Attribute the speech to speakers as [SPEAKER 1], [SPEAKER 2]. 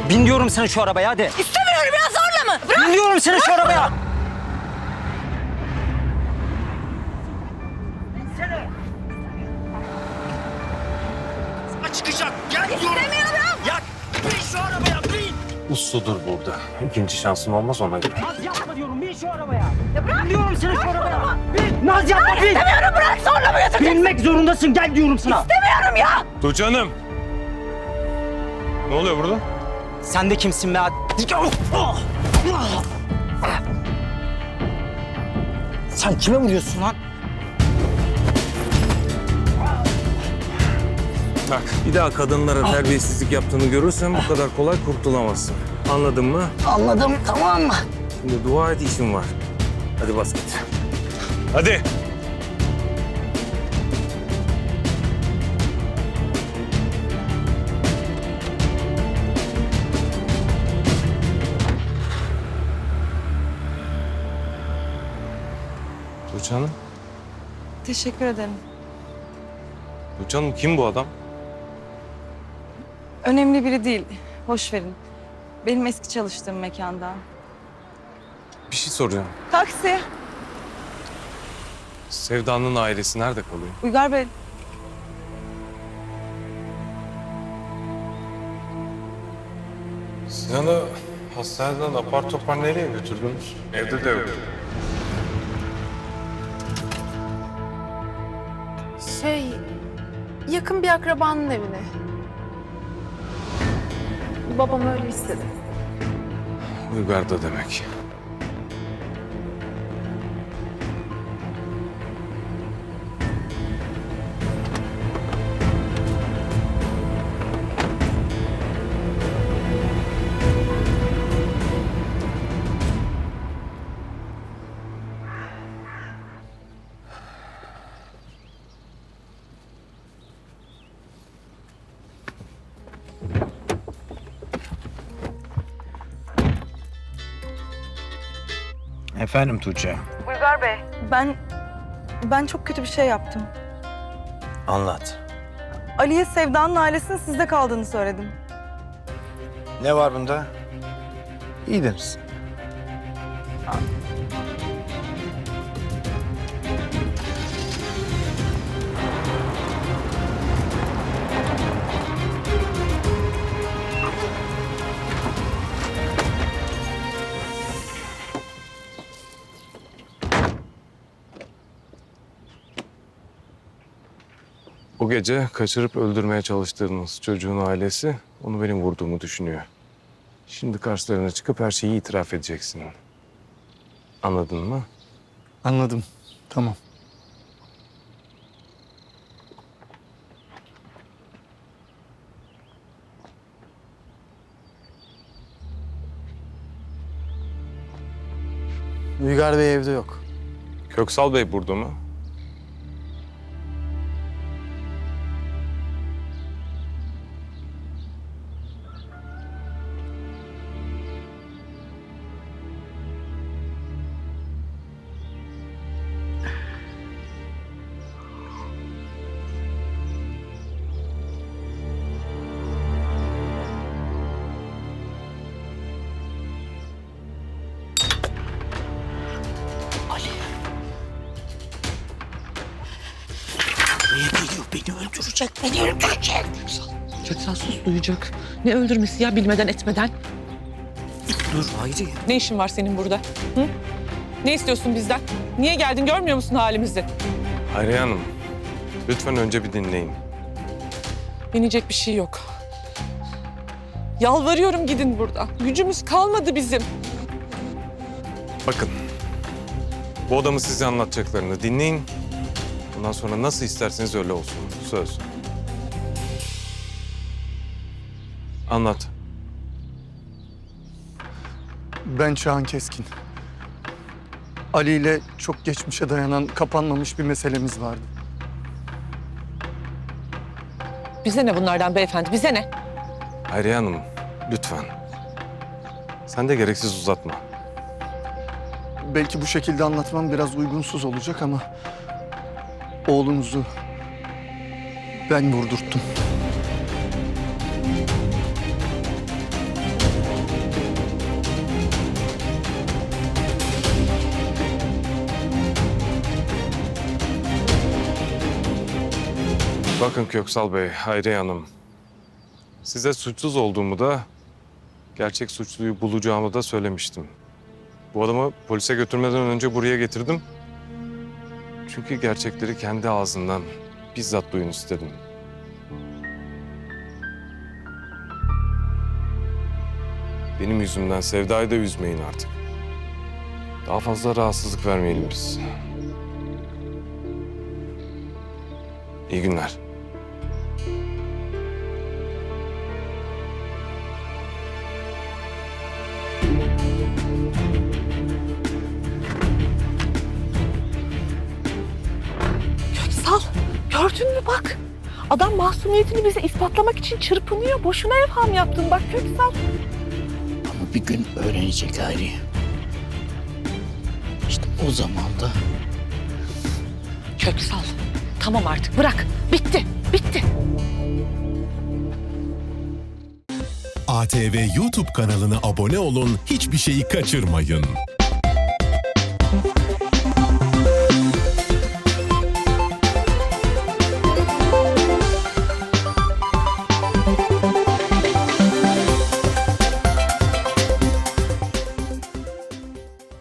[SPEAKER 1] Bin diyorum sana şu arabaya hadi.
[SPEAKER 2] İstemiyorum ya, zorla mı? Bırak.
[SPEAKER 1] Bin diyorum sana şu arabaya.
[SPEAKER 3] Çıkacak. Gel diyorum.
[SPEAKER 2] İstemiyorum.
[SPEAKER 3] Ya bin şu arabaya bin.
[SPEAKER 4] Usludur burada. İkinci şansın olmaz ona göre.
[SPEAKER 1] Naz yapma diyorum bin şu arabaya.
[SPEAKER 2] Ya bırak.
[SPEAKER 1] Bin diyorum sana şu arabaya. Bin. Naz yapma bin.
[SPEAKER 2] İstemiyorum, bırak, zorla mı götüreceksin?
[SPEAKER 1] Binmek zorundasın gel diyorum sana.
[SPEAKER 2] İstemiyorum ya.
[SPEAKER 4] Tuğçe Hanım. Ne oluyor burada?
[SPEAKER 1] Sen de kimsin be? Sen kime vuruyorsun lan?
[SPEAKER 4] Bak bir daha kadınlara terbiyesizlik yaptığını görürsem bu kadar kolay kurtulamazsın. Anladın mı?
[SPEAKER 1] Anladım tamam mı?
[SPEAKER 4] Şimdi dua et işim var. Hadi bas git. Hadi. Tuğçe Hanım.
[SPEAKER 5] Teşekkür ederim.
[SPEAKER 4] Tuğçe Hanım kim bu adam?
[SPEAKER 5] Önemli biri değil. Boş verin. Benim eski çalıştığım mekandan.
[SPEAKER 4] Bir şey soracağım.
[SPEAKER 5] Taksi.
[SPEAKER 4] Sevda'nın ailesi nerede kalıyor?
[SPEAKER 5] Uygar Bey,
[SPEAKER 4] Sinan'ı hastaneden apar topar nereye götürdünüz? Evde de yok.
[SPEAKER 6] Yakın bir akrabanın evine. Babam öyle istedi.
[SPEAKER 4] Uygar'da demek.
[SPEAKER 7] Efendim Tuğçe,
[SPEAKER 5] Uygar Bey. Ben çok kötü bir şey yaptım.
[SPEAKER 7] anlat.
[SPEAKER 5] Ali'ye Sevda'nın ailesinin sizde kaldığını söyledim.
[SPEAKER 7] Ne var bunda? İyi deriz.
[SPEAKER 4] Bu gece kaçırıp öldürmeye çalıştığınız çocuğun ailesi onu benim vurduğumu düşünüyor. Şimdi karşılarına çıkıp her şeyi itiraf edeceksin. Anladın mı?
[SPEAKER 7] Anladım, tamam. Uygar Bey evde yok.
[SPEAKER 4] Köksal Bey burada mı?
[SPEAKER 3] Buraya geliyor, beni öldürecek, beni öldürecek.
[SPEAKER 8] Köksal sus duyacak. Ne öldürmesi ya bilmeden etmeden?
[SPEAKER 3] Dur Hayri.
[SPEAKER 8] Ne işin var senin burada? Hı? Ne istiyorsun bizden? Niye geldin görmüyor musun halimizi?
[SPEAKER 4] Hayriye Hanım, lütfen önce bir dinleyin.
[SPEAKER 8] Yenecek bir şey yok. Yalvarıyorum gidin buradan. Gücümüz kalmadı bizim.
[SPEAKER 4] Bakın, bu adamı size anlatacaklarını dinleyin. Bundan sonra nasıl isterseniz öyle olsun. Söz. Anlat.
[SPEAKER 9] Ben Çağan Keskin. Ali ile çok geçmişe dayanan kapanmamış bir meselemiz vardı.
[SPEAKER 8] Bize ne bunlardan beyefendi, bize ne?
[SPEAKER 4] Hayriye Hanım, lütfen. Sen de gereksiz uzatma.
[SPEAKER 9] Belki bu şekilde anlatmam biraz uygunsuz olacak ama... oğlunuzu ben vurdurttum.
[SPEAKER 4] Bakın Köksal Bey, Hayriye Hanım. Size suçsuz olduğumu da, gerçek suçluyu bulacağımı da söylemiştim. Bu adamı polise götürmeden önce buraya getirdim. Çünkü gerçekleri kendi ağzından bizzat duyun istedim. Benim yüzümden Sevda'yı da üzmeyin artık. Daha fazla rahatsızlık vermeyelim biz. İyi günler.
[SPEAKER 8] Köksal, gördün mü bak. Adam masumiyetini bize ispatlamak için çırpınıyor. Boşuna evham yaptın bak Köksal.
[SPEAKER 3] Ama bir gün öğrenecek Hayriye. İşte o zaman da
[SPEAKER 8] Köksal, tamam artık bırak. Bitti, bitti.
[SPEAKER 10] ATV YouTube kanalına abone olun, hiçbir şeyi kaçırmayın.